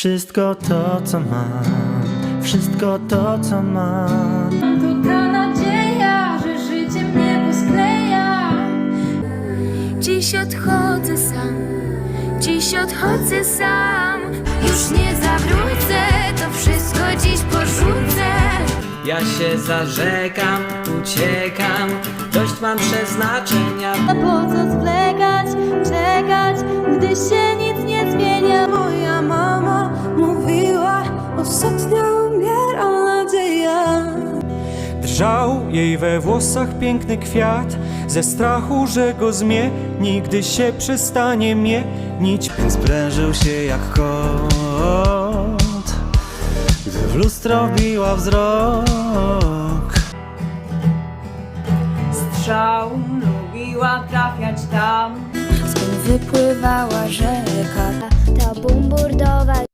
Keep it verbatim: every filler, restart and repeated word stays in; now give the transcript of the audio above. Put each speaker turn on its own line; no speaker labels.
Wszystko to, co mam, wszystko to, co mam.
To ta nadzieja, że życie mnie poskleja.
Dziś odchodzę sam, dziś odchodzę sam. Już nie zawrócę, to wszystko dziś porzucę.
Ja się zarzekam, uciekam, dość mam przeznaczenia.
A po co zwlekać, czekać, gdy się nic nie zmienia?
Moja mama mówiła, ostatnio umiera nadzieja.
Drżał jej we włosach piękny kwiat, ze strachu, że go zmieni, gdy się przestanie mienić.
Sprężył się jak kot, gdy w lustro biła wzrok.
Strzał lubiła trafiać tam,
Skąd wypływała rzeka, ta bumburdowa.